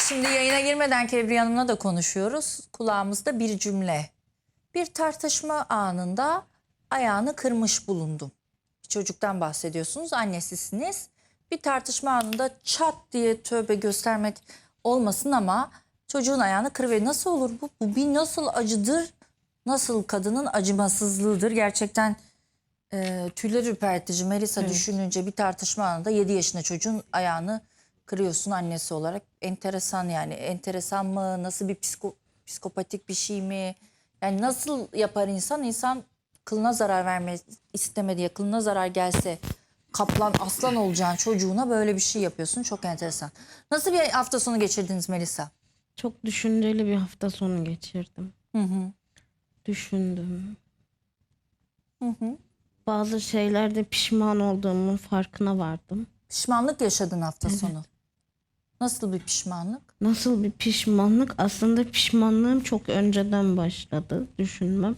Şimdi yayına girmeden Kebriye Hanım'la da konuşuyoruz. Kulağımızda bir cümle. Bir tartışma anında ayağını kırmış bulundum. Bir çocuktan bahsediyorsunuz, annesisiniz. Bir tartışma anında çat diye, tövbe göstermek olmasın ama çocuğun ayağını kırıver. Nasıl olur bu? Bu bir nasıl acıdır? Nasıl kadının acımasızlığıdır? Gerçekten tüyler ürpertici. Melisa, evet. Düşününce bir tartışma anında 7 yaşında çocuğun ayağını kırıyorsun annesi olarak. Enteresan yani. Enteresan mı? Nasıl bir psikopatik bir şey mi? Yani nasıl yapar insan? İnsan kılına zarar vermek istemedi ya, kılına zarar gelse kaplan aslan olacağın çocuğuna böyle bir şey yapıyorsun. Çok enteresan. Nasıl bir hafta sonu geçirdiniz Melisa? Çok düşünceli bir hafta sonu geçirdim. Hı hı. Düşündüm. Hı hı. Bazı şeylerde pişman olduğumun farkına vardım. Pişmanlık yaşadın hafta sonu. Nasıl bir pişmanlık? Nasıl bir pişmanlık? Aslında pişmanlığım çok önceden başladı düşünmem.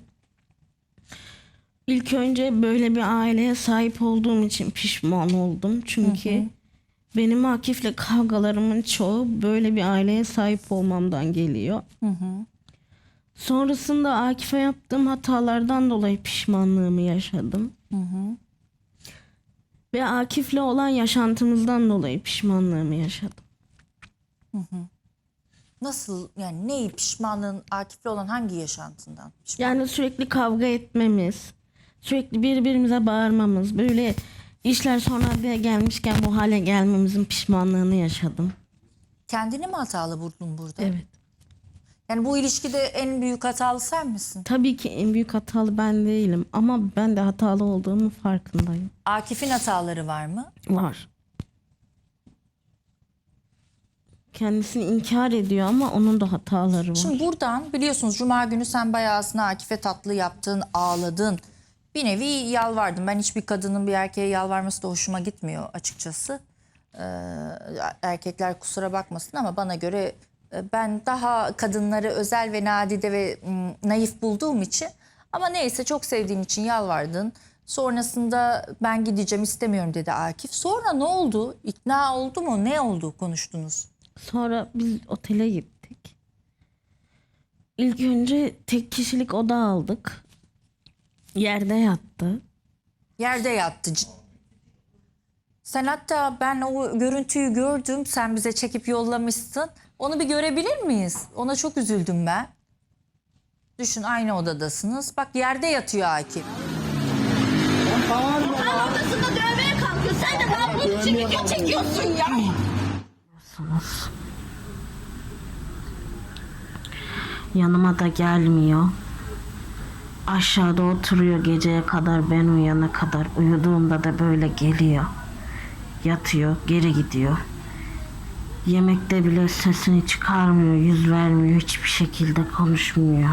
İlk önce böyle bir aileye sahip olduğum için pişman oldum. Çünkü benim Akif'le kavgalarımın çoğu böyle bir aileye sahip olmamdan geliyor. Sonrasında Akif'e yaptığım hatalardan dolayı pişmanlığımı yaşadım. Ve Akif'le olan yaşantımızdan dolayı pişmanlığımı yaşadım. Nasıl yani, neyi pişmanlığın, Akif'le olan hangi yaşantından? Yani sürekli kavga etmemiz, sürekli birbirimize bağırmamız, böyle işler sonra bir gelmişken bu hale gelmemizin pişmanlığını yaşadım. Kendini mi hatalı buldun burada? Evet. Yani bu ilişkide en büyük hatalı sen misin? Tabii ki en büyük hatalı ben değilim ama ben de hatalı olduğumun farkındayım. Akif'in hataları var mı? Var. Kendisini inkar ediyor ama onun da hataları var. Şimdi buradan biliyorsunuz Cuma günü sen bayağı aslında Akif'e tatlı yaptın, ağladın. Bir nevi yalvardın. Ben hiçbir kadının bir erkeğe yalvarması da hoşuma gitmiyor açıkçası. Erkekler kusura bakmasın ama bana göre ben daha kadınları özel ve nadide ve naif bulduğum için, ama neyse, çok sevdiğin için yalvardın. Sonrasında ben gideceğim, istemiyorum dedi Akif. Sonra ne oldu? İkna oldu mu? Ne oldu? Konuştunuz. Sonra biz otele gittik. İlk önce tek kişilik oda aldık. Yerde yattı. Yerde yattı. Sen hatta, ben o görüntüyü gördüm. Sen bize çekip yollamışsın. Onu bir görebilir miyiz? Ona çok üzüldüm ben. Düşün, aynı odadasınız. Bak, yerde yatıyor Akif. Sen odasında dövmeye kalkıyorsun. Sen de ben bunun için video çekiyorsun ya. Yanıma da gelmiyor. Aşağıda oturuyor geceye kadar, ben uyana kadar. Uyuduğumda da böyle geliyor. Yatıyor, geri gidiyor. Yemekte bile sesini çıkarmıyor, yüz vermiyor, hiçbir şekilde konuşmuyor.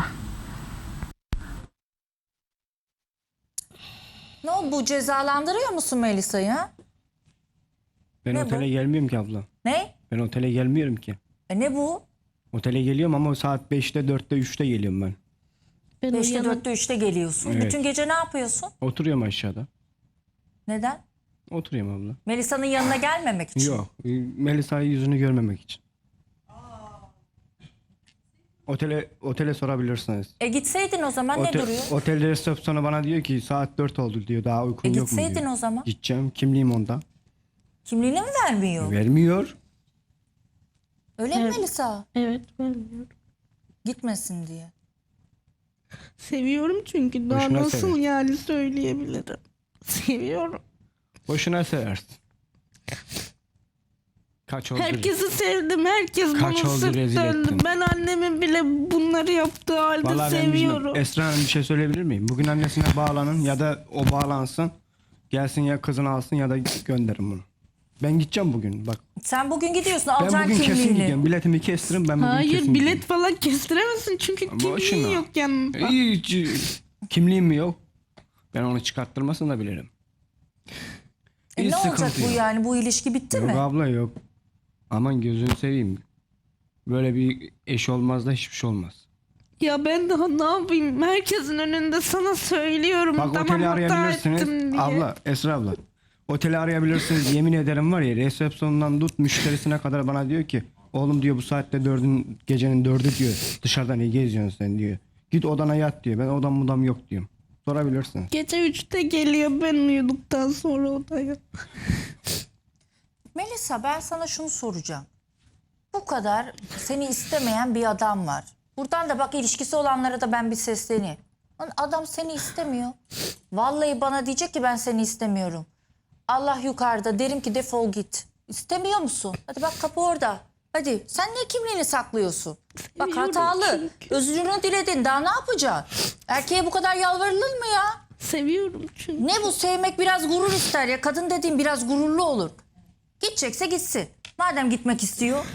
Ne oldu? Bu cezalandırıyor musun Melisa'yı? Ben Ne otele bu? gelmiyorum ki abla. Ne? Ben otele gelmiyorum ki. Ne bu? Otele geliyorum ama saat 5'te, 4'te, 3'te geliyorum ben. Ben 5'te, uyanıp 4'te, 3'te geliyorsun. Evet. Bütün gece ne yapıyorsun? Oturuyorum aşağıda. Neden? Oturuyorum abla. Melisa'nın yanına gelmemek için. Yok. Melisa'yı yüzünü görmemek için. Otele sorabilirsiniz. Gitseydin o zaman, ne duruyor? Otel resepsiyonu bana diyor ki saat 4 oldu diyor. Daha uykun yok mu Gitseydin diyor. o zaman. Gideceğim. Kimliğim onda. Kimliğini mi vermiyor? Vermiyor. Öyle mi Melisa? evet, vermiyorum. Gitmesin diye. Seviyorum çünkü daha Boşuna nasıl sever. yani söyleyebilirim. Seviyorum. Boşuna seversin. Kaç oldu? Herkesi sevdim. Herkes Kaç bana oldu, sırt rezil döndü. ettin. Ben annemin bile bunları yaptığı halde Vallahi ben seviyorum. Esra Hanım, bir şey söyleyebilir miyim? Bugün annesine bağlanın ya da o bağlansın. Gelsin ya kızını alsın ya da gönderin bunu. Ben gideceğim bugün bak. Sen bugün gidiyorsun, Ben alacaksın bugün kesin kimliğini. gidiyorum. Biletimi kestirin, ben bugün Hayır, kesin bilet gidiyorum. falan kestiremezsin çünkü Boşuna. kimliğin yok yanında. Hiç kimliğim mi yok? Ben onu çıkarttırmasını da bilirim. Hiç Ne olacak sıkıntı bu yok. yani? Bu ilişki bitti Yok mi? abla, yok. Aman gözünü seveyim. Böyle bir eş olmaz da hiçbir şey olmaz. Ya ben daha ne yapayım? Herkesin önünde sana söylüyorum. Bak, tamam, oteli hata ettim arayabilirsiniz. diye. Abla, Esra abla. Oteli arayabilirsiniz. Yemin ederim var ya, resepsiyondan tut müşterisine kadar bana diyor ki Oğlum diyor bu saatte gecenin 4'ü diyor. Dışarıda ne geziyorsun sen diyor. Git odana yat diyor. Ben odam yok diyorum. Sorabilirsin. Gece 3'te geliyor ben uyuduktan sonra odaya. Melisa, ben sana şunu soracağım. Bu kadar seni istemeyen bir adam var. Buradan da bak, ilişkisi olanlara da ben bir sesleneyim. Lan adam seni istemiyor. Vallahi bana diyecek ki ben seni istemiyorum. Allah yukarıda, derim ki defol git. İstemiyor musun? Hadi bak, kapı orada. Hadi sen niye kimliğini saklıyorsun? Bak Seviyorum hatalı. çünkü. Özrünü diledin, daha ne yapacaksın? Erkeğe bu kadar yalvarılır mı ya? Seviyorum çünkü. Ne bu, sevmek biraz gurur ister ya. Kadın dediğim biraz gururlu olur. Gidecekse gitsin. Madem gitmek istiyor,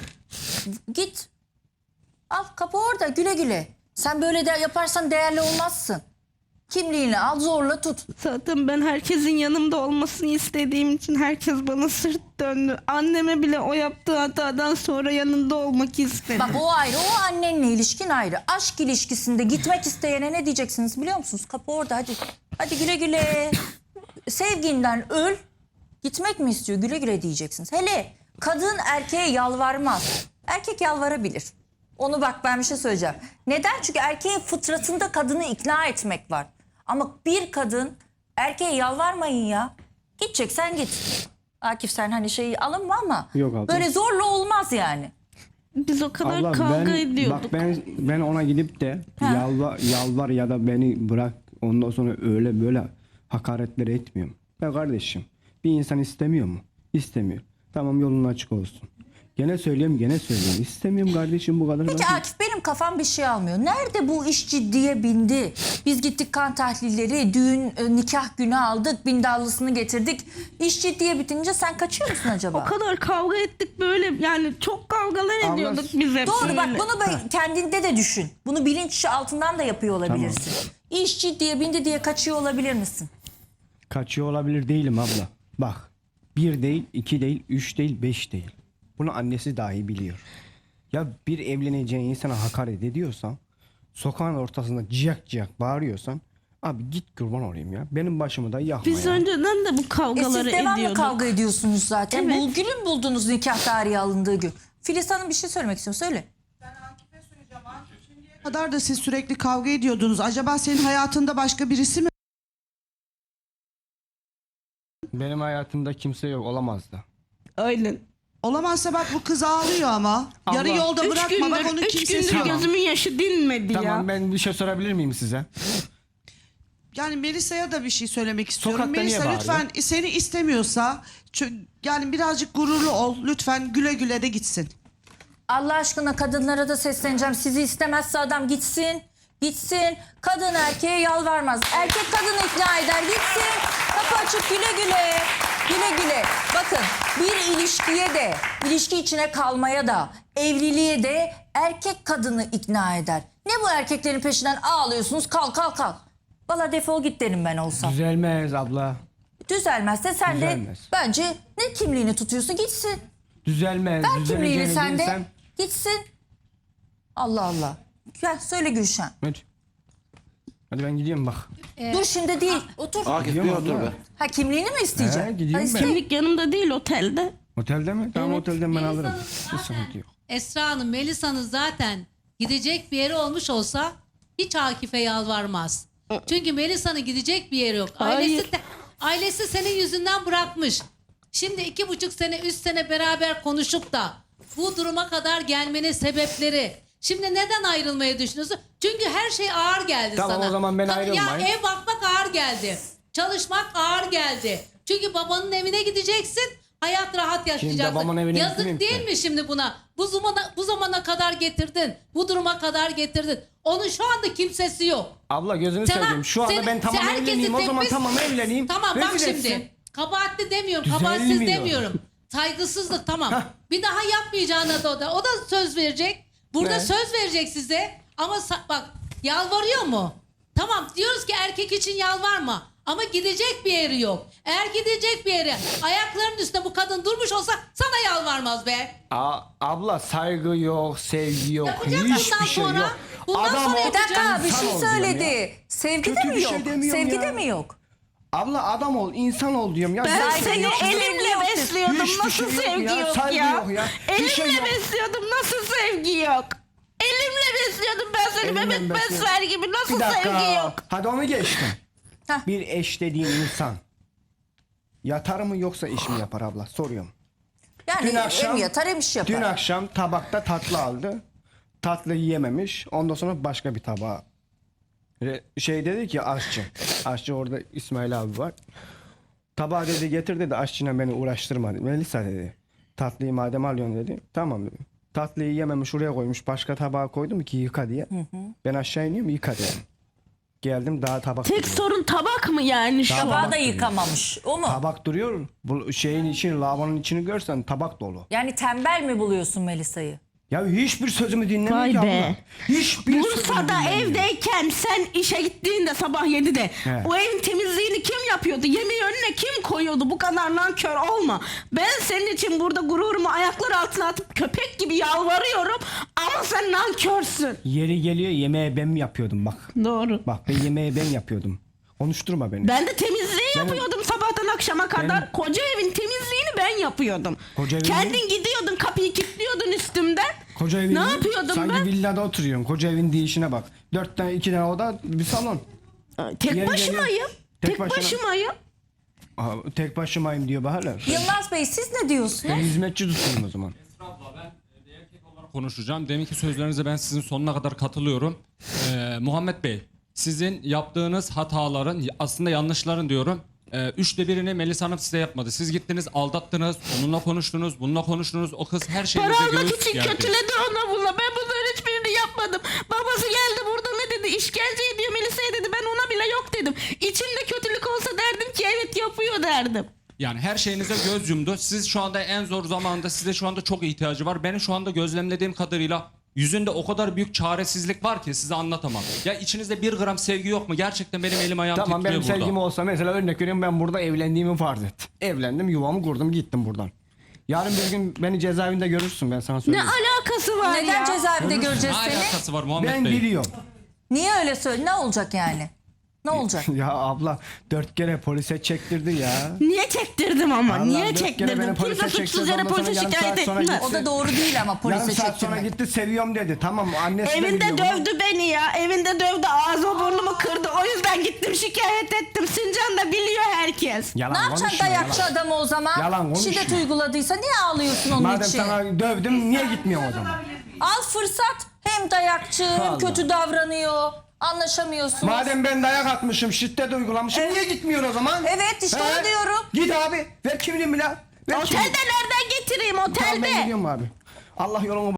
git. Al, kapı orada, güle güle. Sen böyle de yaparsan değerli olmazsın. Kimliğini al, zorla tut. Zaten ben herkesin yanımda olmasını istediğim için herkes bana sırt döndü. Anneme bile o yaptığı hatadan sonra yanında olmak istedim. Bak o ayrı, o annenle ilişkin ayrı. Aşk ilişkisinde gitmek isteyene ne diyeceksiniz biliyor musunuz? Kapı orada, hadi. Hadi güle güle. Sevginden öl. Gitmek mi istiyor? Güle güle diyeceksiniz. Hele kadın erkeğe yalvarmaz. Erkek yalvarabilir. Onu bak, ben bir şey söyleyeceğim. Neden? Çünkü erkeğin fıtratında kadını ikna etmek var. Ama bir kadın erkeğe yalvarmayın ya. Gideceksen git. Akif, sen hani şeyi alınma ama Yok abla. böyle zorla olmaz yani. Biz o kadar Abla, kavga ediyorduk. Bak ben ona gidip de Ha. yalvar ya da beni bırak, ondan sonra öyle böyle hakaretleri etmiyorum. Ben kardeşim, bir insan istemiyor mu? İstemiyor. Tamam, yolun açık olsun. Gene söyleyeyim. İstemiyorum kardeşim, bu kadar. Peki basit. Akif, benim kafam bir şey almıyor. Nerede bu iş ciddiye bindi? Biz gittik kan tahlilleri, düğün, nikah günü aldık, bindallısını getirdik. İş ciddiye bitince sen kaçıyor musun acaba? O kadar kavga ettik böyle, yani çok kavgalar Abla, ediyorduk biz hep. Doğru, bak böyle. bunu kendinde de düşün. Bunu bilinç altından da yapıyor olabilirsin. İş ciddiye bindi diye kaçıyor olabilir misin? Kaçıyor olabilir değilim abla. Bak, 1 değil, 2 değil, 3 değil, 5 değil. Bunu annesi dahi biliyor. Ya bir evleneceğin insana hakaret ediyorsan, sokağın ortasında ciyak bağırıyorsan, abi git kurban olayım ya. Benim başımı da yakma Biz ya. önceden de bu Siz kavgaları devamlı ediyorduk. kavga ediyorsunuz zaten. Evet. Bu günü mü buldunuz nikah tarihi alındığı gün? Filiz Hanım bir şey söylemek istiyor. Söyle. kadar da siz sürekli kavga ediyordunuz. Acaba senin hayatında başka birisi mi? Benim hayatımda kimse yok, olamaz da. Aynen. Olamazsa bak bu kız ağlıyor ama. Yarı yolda Üç bırakma, bak onun gündür kimsesi yok. gözümün yaşı dinmedi ya. Tamam, ben bir şey sorabilir miyim size? Yani Melisa'ya da bir şey söylemek istiyorum. Sokakta niye Melisa bağırıyor? lütfen seni istemiyorsa yani birazcık gururlu ol. Lütfen güle güle de gitsin. Allah aşkına kadınlara da sesleneceğim. Sizi istemezse adam gitsin. Gitsin. Kadın erkeğe yalvarmaz. Erkek kadını ikna eder. Gitsin. Kapı açık, güle güle. Güle güle. Bakın, bir ilişkiye de, ilişki içine kalmaya da, evliliğe de erkek kadını ikna eder. Ne bu erkeklerin peşinden ağlıyorsunuz? Kal. Valla defol git derim ben olsam. Düzelmez abla. Düzelmezse sen Düzelmez. de bence ne kimliğini tutuyorsun, gitsin. Düzelmez. Ver kimliğini Düzeleceğini sen de. bilsem- Gitsin. Allah Allah. Gel söyle Gülşen. Hadi ben gidiyorum bak. Dur şimdi değil. Otur. Akif bir Gidiyorum otur abla. be. Ha, kimliğini mi isteyeceksin? He, gidiyorum Hadi ben. iste. Kimlik yanımda değil, otelde. Otelde mi? Tamam, otelden ben alırım. Hiç sıkıntı yok. Esra Hanım, Melisa'nın zaten gidecek bir yeri olmuş olsa hiç Akif'e yalvarmaz. Çünkü Melisa'nın gidecek bir yeri yok. Hayır. Ailesi senin yüzünden bırakmış. Şimdi 2,5 sene, 3 sene beraber konuşup da bu duruma kadar gelmenin sebepleri. Şimdi neden ayrılmayı düşünüyorsun? Çünkü her şey ağır geldi Tamam, sana. o zaman ben Ya ayrılmayayım. ev bakmak ağır geldi. Çalışmak ağır geldi. Çünkü babanın evine gideceksin. Hayat rahat yaşayacaksın. babamın evine Yazık gitmeyeyim değil ki. mi şimdi buna? Bu zamana kadar getirdin. Bu duruma kadar getirdin. Onun şu anda kimsesi yok. Abla gözünü Sana- seveyim. Şu anda seni- ben tamam herkesi evleneyim. O zaman tepmiş- tamam evleneyim. Tamam bak Rezil şimdi. etsin. Kabahatli demiyorum. Düzelmiyor. Kabahatsiz demiyorum. Saygısızlık tamam. Bir daha yapmayacağına da o da söz verecek. Burada Ne? söz verecek size. Ama bak, yalvarıyor mu? Tamam, diyoruz ki erkek için yalvarma. Ama gidecek bir yeri yok. Eğer gidecek bir yere ayaklarının üstünde bu kadın durmuş olsa sana yalvarmaz be. Abla saygı yok, sevgi yok, Yapacak hiçbir bundan şey sonra. yok. Bundan sonra Bir dakika, bir insan şey ol diyorum söyledi. ya. Sevgi de Kötü mi bir yok? şey demiyorum Sevgi ya. de mi yok? Abla adam ol, insan ol diyorum ya. Ben Saygı seni yok, sevgi elimle yok, besliyordum. Hiçbir Nasıl şey yok sevgi ya, yok saygı ya? yok ya. Bir şey Elimle yok. besliyordum. Nasıl sevgi yok? Elimle besliyordum ben seni Elinle bebek besliyor. besler gibi. Bir Nasıl dakika. sevgi yok? Hadi onu geçtim. Heh. Bir eş dediğin insan yatar mı yoksa iş mi yapar abla? Soruyorum. Yani Dün akşam- hem yatar hem iş yapar. Dün akşam tabakta tatlı aldı. Tatlı yiyememiş. Ondan sonra başka bir tabağa. Şey dedi ki aşçı. Aşçı orada İsmail abi var. Tabağı dedi getir dedi, aşçına beni uğraştırma dedi. Melisa dedi. Tatlıyı madem alıyorsun dedi. Tamam dedi. Tatlıyı yememiş, oraya koymuş. Başka tabağa koydum ki yıka diye. Ben aşağı iniyorum, yıka diye. Geldim daha tabak Tek duruyor. sorun tabak mı yani şu an? Tabağı da yıkamamış. O mu? Tabak duruyor. Bu şeyin içini, lavabonun içini görsen tabak dolu. Yani tembel mi buluyorsun Melisa'yı? Ya hiçbir sözümü dinlemiyor Vay ki be. abla. Hiçbir sözümü Bursa'da dinlemiyor. evdeyken sen işe gittiğinde sabah 7'de He. o evin temizliğini kim yapıyordu? Yemeği önüne kim koyuyordu? Bu kadar nankör olma. Ben senin için burada gururumu ayaklar altına atıp köpek gibi yalvarıyorum ama sen nankörsün. Yeri geliyor yemeği ben mi yapıyordum bak. Doğru. Bak ben yemeği ben yapıyordum. Konuşturma beni. Ben de temizliği yapıyordum sabahtan akşama kadar. Benim- Koca evin temizliğini ben yapıyordum. Koca evin- Kendin gidiyordun kapıyı kilitliyordun üstümden. Koca evin Ne yapıyordum sanki ben? villada oturuyorsun. Koca evin değişine bak. 4 tane 2 tane oda bir salon. Tek Yeri başımayım. geliyor. Tek başına. başımayım. Aha, tek başımayım diyor Baharlar. Yılmaz Bey siz ne diyorsunuz? Ben hizmetçi tutayım o zaman. Konuşacağım. Deminki sözlerinize ben sizin sonuna kadar katılıyorum. Muhammed Bey, sizin yaptığınız hataların, aslında yanlışların diyorum. 3'te birini Melisa Hanım size yapmadı. Siz gittiniz, aldattınız, onunla konuştunuz, bununla konuştunuz. O kız her şeyinize Para almak göğüs için gerdi. kötüledi ona bununla. Ben bunların hiçbirini yapmadım. Babası geldi burada ne dedi? İşkence ediyor Melisa'ya dedi. Ben ona bile yok dedim. İçimde kötülük olsa derdim ki evet yapıyor derdim. Yani her şeyinize göz yumdu. Siz şu anda en zor zamanda, size şu anda çok ihtiyacı var. Benim şu anda gözlemlediğim kadarıyla yüzünde o kadar büyük çaresizlik var ki size anlatamam. Ya içinizde 1 gram sevgi yok mu? Gerçekten benim elim ayağım Tamam titriyor benim burada. sevgim olsa mesela örnek veriyorum, ben burada evlendiğimi farz et. Evlendim, yuvamı kurdum, gittim buradan. Yarın bir gün beni cezaevinde görürsün, ben sana Ne söyleyeyim. alakası var Neden ya? cezaevinde göreceğiz Ne seni? alakası var Muhammed Ben Bey? biliyorum. Niye öyle söyle? Ne olacak yani? Ne olacak? Ya abla 4 kere polise çektirdi ya. Niye çektirdim ama? Vallahi Niye 4 kere çektirdim? beni polise Kimse çektirdi, suçsuz yere ondan sonra polise yarım şikayet saat sonra etmez. O da doğru değil ama polise Yarım saat sonra çektirmek. gitti, seviyorum dedi. Tamam, annesi de Evinde biliyor bunu. dövdü beni ya. Evinde dövdü. Ağzımı burnumu kırdı. O yüzden gittim şikayet ettim. Sincan da biliyor herkes. Yalan Ne yapacaksın konuşma, dayakçı yalan. adamı o zaman? Yalan konuşma. Şiddet uyguladıysa niye ağlıyorsun onun Madem için? sana dövdüm, niye gitmiyorsun o zaman? Al fırsat. Hem dayakçı hem Allah. kötü davranıyor. Anlaşamıyorsunuz. Madem ben dayak atmışım, şiddet uygulamışım, niye gitmiyorsun o zaman? Evet, işte onu diyorum. Git abi, ver kimliğimi la. Ver Otelde kimliğimi. nereden getireyim? Tamam, ben Otelde. gidiyorum abi. Allah yolumu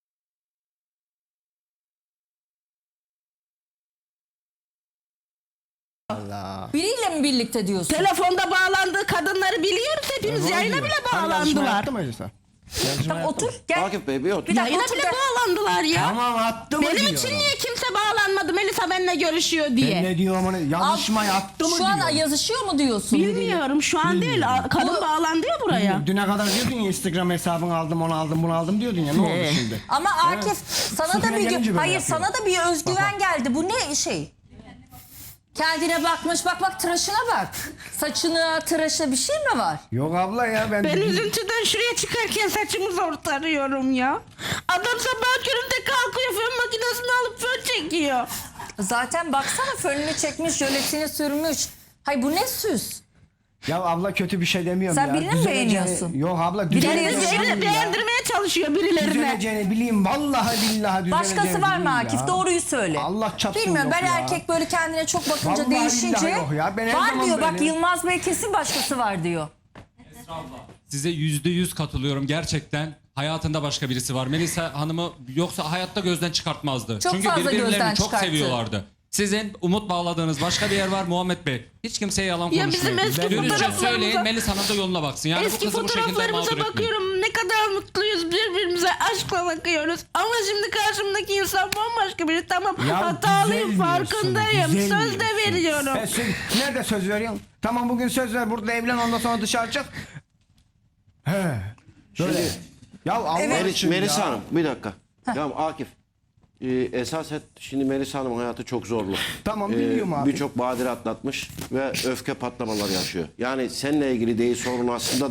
Allah. Biriyle mi birlikte diyorsun? Telefonda bağlandığı kadınları biliyoruz hepimiz. Yayına bile bağlandılar. Tamam, otur gel. Akif Bey bir otur. Bir dakika Yayına otur bile gel. bağlandılar ya. Tamam, attı mı Benim diyorum. için niye kimse bağlanmadı Melisa benimle görüşüyor diye? Ben ne diyorum onu? Yazışmayı attı mı Şu an diyorum. yazışıyor mu diyorsun? biriyle? Bilmiyorum şu an değil. Kadın Bu- bağlandı ya buraya. Düne kadar diyordun ya, Instagram hesabını aldım, onu aldım, bunu aldım diyordun ya. Ne oldu şimdi? Ama Akif sana da Sıfıra bir gelince böyle hayır yapıyor. sana da bir özgüven geldi. Bu ne şey? Kendine bakmış, bak tıraşına bak. Saçına, tıraşa bir şey mi var? Yok abla ya, ben... Ben üzüntüden şuraya çıkarken saçımı zor tarıyorum ya. Adam sabah köründe kalkıyor fön makinesini alıp fön çekiyor. Zaten baksana fönünü çekmiş, jöletini sürmüş. Hay bu ne süs? Ya abla kötü bir şey demiyorum Sen ya. birini mi Düzeleceğini- beğeniyorsun? Yok abla, Birileri düzeleceğini beğenir- bileyim ya. Beğendirmeye çalışıyor birilerine. Düzeleceğini bileyim, vallahi billahi düzeleceğini Başkası var mı bileyim Akif? ya. Doğruyu söyle. Allah çapsın Bilmiyorum, yok ben ya. erkek böyle kendine çok bakınca Vallahi değişince billahi yok ya. Ben her var zaman diyor. Bak böyle. Yılmaz Bey kesin başkası var diyor. Size %100 katılıyorum gerçekten. Hayatında başka birisi var. Melisa Hanım'ı yoksa hayatta gözden çıkartmazdı. Çok Çünkü fazla birbirlerini gözden çok çıkarttı. seviyorlardı. Sizin umut bağladığınız başka bir yer var Muhammed Bey. Hiç kimseye yalan Ya konuşmayın. bizim eski Dürüstçe fotoğraflarımıza- söyleyin, Melisa Hanım da yoluna baksın. Yani bu Eski kızı bu şekilde fotoğraflarımıza mağdur etmeyin. bakıyorum. Ne kadar mutluyuz birbirimize aşkla bakıyoruz. Ama şimdi karşımdaki insan bambaşka biri. Tamam Ya hatalıyım güzelmiyorsun, farkındayım. güzelmiyorsun. Söz de veriyorum. Nerede söz veriyorsun? Tamam, bugün söz ver, burada evlen, ondan sonra dışarı çık. He. Böyle. Ya Allah için Melisa ya. Hanım bir dakika. Ya Akif esas şimdi Melisa Hanım'ın hayatı çok zorlu. Tamam, biliyorum abi. Birçok badire atlatmış ve öfke patlamaları yaşıyor. Yani seninle ilgili değil sorun aslında da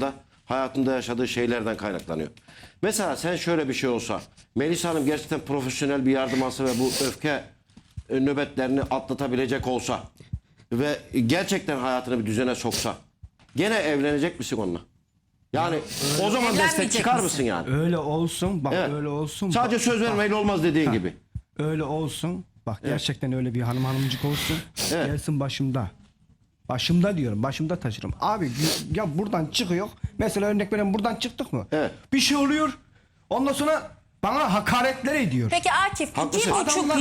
hayatında yaşadığı şeylerden kaynaklanıyor. Mesela sen şöyle bir şey olsa, Melisa Hanım gerçekten profesyonel bir yardım alsa ve bu öfke nöbetlerini atlatabilecek olsa ve gerçekten hayatını bir düzene soksa, gene evlenecek misin onunla? Yani o zaman destek Evlenmeyecek çıkar misin? mısın yani? Öyle olsun. Bak Evet. öyle olsun. Sadece bak, söz vermeyle olmaz dediğin gibi. Öyle olsun. Bak gerçekten öyle bir hanımcık olsun. Evet. Gelsin başımda. Başımda diyorum. Başımda taşırım. Abi ya buradan çıkıyor. Mesela örnek verelim, buradan çıktık mı? Evet. Bir şey oluyor. Ondan sonra bana hakaretler ediyor. Peki Akif Haklısın.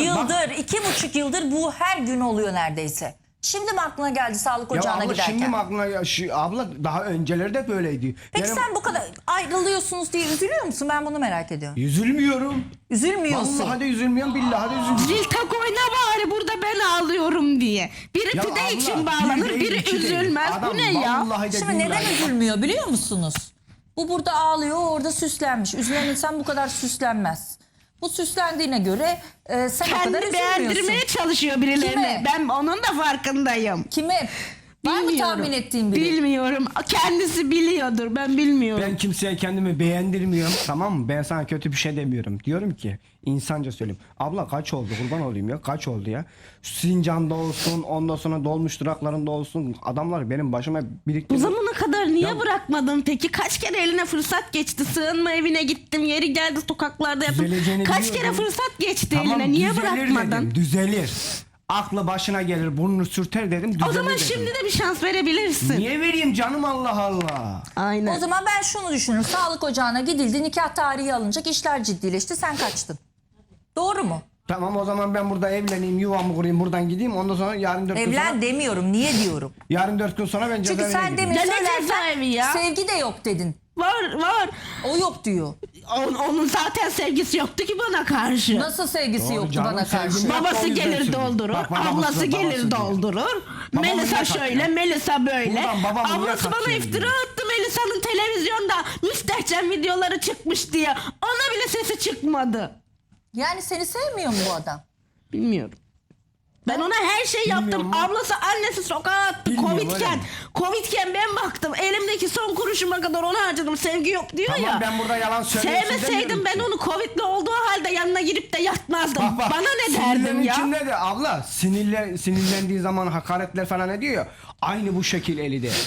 2,5 yıldır bu her gün oluyor neredeyse. Şimdi mi aklına geldi sağlık Ya ocağına abla giderken? şimdi mi aklına abla daha önceleri de böyleydi. Peki Yani sen bu kadar ayrılıyorsunuz diye üzülüyor musun? Ben bunu merak ediyorum. üzülmüyorum. Üzülmüyorsun. Vallahi de üzülmüyorum, billahi de üzülmüyorum. Zil tak oyna bari burada ben ağlıyorum diye. Biri Ya pide abla, için bir bağlanır, değil, biri iki değil. üzülmez. Adam Bu ne ya? vallahi de Şimdi neden billahi- üzülmüyor biliyor musunuz? Bu burada ağlıyor, orada süslenmiş. Üzülen insan bu kadar süslenmez. Bu süslendiğine göre sen o kadar Kendi üzülmüyorsun. beğendirmeye çalışıyor birilerine. Kime? Ben onun da farkındayım. Kime? Var mı tahmin ettiğin biri? Bilmiyorum. Kendisi biliyordur. Ben bilmiyorum. Ben kimseye kendimi beğendirmiyorum, tamam mı? Ben sana kötü bir şey demiyorum. Diyorum ki insanca söyleyeyim. Abla kaç oldu, kurban olayım ya, kaç oldu ya? Sincan'da olsun, ondan sonra dolmuş duraklarında olsun, adamlar benim başıma Bu biriktirdi. zamana kadar niye Ya- bırakmadın peki? Kaç kere eline fırsat geçti? Sığınma evine gittim. Yeri geldi sokaklarda yaptım. Düzeleceğini Kaç kere biliyordum. fırsat geçti Tamam, eline? Niye düzelir bırakmadın? dedim, düzelir. Aklı başına gelir, burnunu sürter dedim, düzelir O zaman dedim. şimdi de bir şans verebilirsin. Niye vereyim canım, Allah Allah. Aynen. O zaman ben şunu düşünürüm. Sağlık ocağına gidildi, nikah tarihi alınacak, işler ciddileşti, sen kaçtın. Doğru mu? Tamam, o zaman ben burada evleneyim, yuvamı kurayım, buradan gideyim. Ondan sonra yarın 4 gün Evlen sonra... demiyorum, niye diyorum? Yarın 4 gün sonra ben Çünkü cezaevine sen gideyim. demin Ya ne söylerken cezaevi ya? sevgi de yok dedin. Var. O yok diyor. Onun zaten sevgisi yoktu ki bana karşı. Nasıl sevgisi Doğru yoktu canım, bana karşı? sevgim yok. Babası O yüzden gelir söylüyorum. doldurur, Bak, babası ablası da, gelir babası diyor. doldurur. Babamı Melisa niye şöyle, katıyor? Melisa böyle. Buradan babamı niye Ablası bana katıyor iftira diyor. attı Melisa'nın televizyonda müstehcen videoları çıkmış diye. Ona bile sesi çıkmadı. Yani seni sevmiyor mu bu adam? Bilmiyorum. Ben ona her şey yaptım. Bilmiyorum mu? Ablası, annesi sokağa attı. Bilmiyorum, öyle Covid'ken. mi? Covid'ken ben baktım. Elimdeki son kuruşuma kadar ona harcadım. Sevgi yok diyor Tamam, ya. ben burada yalan söylüyorsun Sevmeseydim demiyorum ben ki. onu Covid'li olduğu halde yanına girip de yatmazdım. Bak, bak, Bana ne sinirlerin derdim ya? içinde de abla sinirlendiği zaman hakaretler falan ediyor ya. Aynı bu şekil eli de.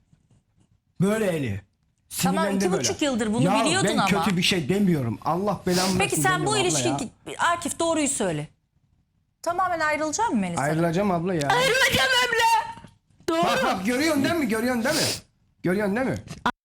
Böyle eli. Tamam, Sinirlendi 2,5 böyle. yıldır bunu ya biliyordun ben ama. kötü bir şey demiyorum. Allah belamı Peki versin sen bu demiyorum abla ilişki... ya. Akif doğruyu söyle. Tamamen ayrılacak mı Melisa? Ayrılacağım abla ya. Ayrılacağım abla. Doğru. Bak bak, görüyorsun değil mi? Görüyorsun değil mi? Görüyorsun değil mi?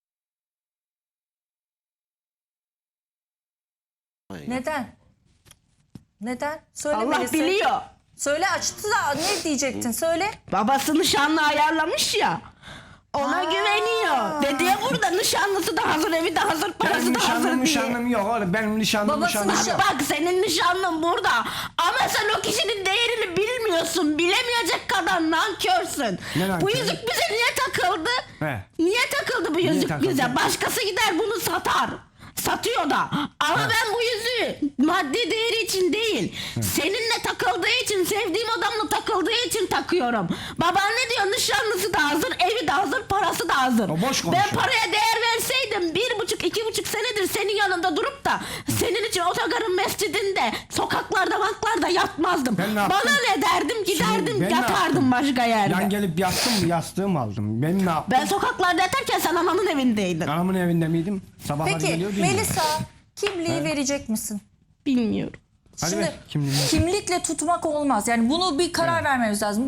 Neden? Neden? Söyle Allah Melisa. biliyor. Söyle, açtı da ne diyecektin söyle. Babası nişanlı ayarlamış ya. Ona güveniyor. Dedi ya burada nişanlısı da hazır, evi de hazır, parası Benim da hazır nişanlım diye. nişanlım yok oğlum. Benim nişanlım Babası nişanlım nişan- yok. Bak senin nişanlın burada. Ama sen o kişinin değerini bilmiyorsun. Bilemeyecek kadar nankörsün. Ne nankörü? Bu yüzük bize niye takıldı? He. Niye takıldı bu yüzük takıldı? bize? Başkası gider bunu satar. Satıyor da. Ama ben bu yüzüğü maddi değeri için değil. Seninle takıldığı için, sevdiğim adamla takıldığı için takıyorum. Baban ne diyor? Nişanlısı da hazır, evi de hazır, parası da hazır. O boş Ben konuşuyor. paraya değer verseydim 1,5-2,5 senedir senin yanında durup da senin için otogarın mescidinde, sokaklarda, banklarda yatmazdım. Ben ne yaptım? Bana ne derdim? Giderdim, ben ne yatardım yaptım? başka yerde. Yan gelip yattım mı, yastığımı aldım. Ben ne yaptım? Ben sokaklarda yatarken sen ananın evindeydin. Anamın evinde miydim? Sabahları Peki geliyordu. Melisa, kimliği verecek misin? Bilmiyorum. Hadi Şimdi ver kimliğini. kimlikle tutmak olmaz. Yani bunu bir karar vermemiz lazım.